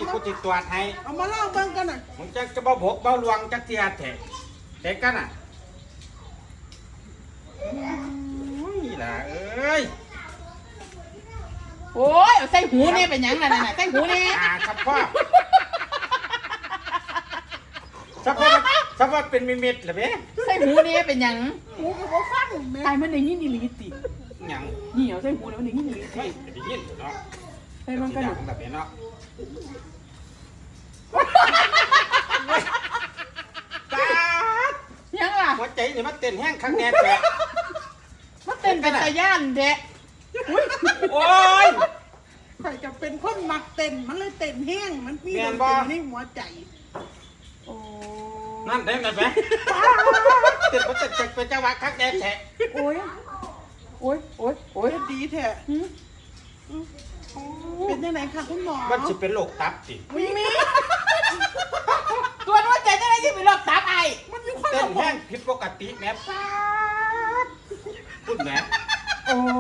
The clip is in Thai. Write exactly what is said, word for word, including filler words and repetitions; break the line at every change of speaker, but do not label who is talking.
กูจิตตรวจให้
เอามาเล่าเบิ่งกันหน่อย
มึงจะจะบ่บกบ่ลวงจักเทียแท้เด็กกันอ่ะโอ้ยล่ะเอ้ย
โอ้ยเอาใส่หูนี่เป็นหยังล่ะนั่นน่ะใส่หูนี่
อ่าครับพ่อสักว่าสักว่าเป็นมิมิตหรือเปล่า
ใส่หูนี่เป็นหยัง
หูก็บ่ฟังแม่
ตายมันได้ยินอีหลีติ
หยัง
นี่เอาใส่หูแล้วมันได้ยินอีหลี
เฮ้ยได้ยินเนาะ
ใส่มันกระดูก
แบบนี้เนาะ ตา
ยังล่ะ
หัวใจนี่มันเต้นแห้งข้างแน่แท้
มันเต้นเป็นตาย่านแท้
โอ้ย
ใครจะเป็นคนมักเต้นมันเลยเต้นแห้งมันมี
แม่
เต้
น
น
บ่
ในหัวใจ
โอ้
นั่นได้ไหมแม่เต้นมันเต้นเป็นจังหวะข้างแน่แท้
โอ้ยโอ้ยโอ้ยโอ้ย
เฮ็ดดีแท้
หืม
เป็นยังไงคะคุณหมอ
มันสิเป็นโรคตับสิ
มีมีตัวนู้นใจจะได้ที่เป็นโรคตับไอ
มันมีคน
เต้น
ละบ
แห้
อก
งผิดปกติแม่ป้าดพูดแม่
โอ้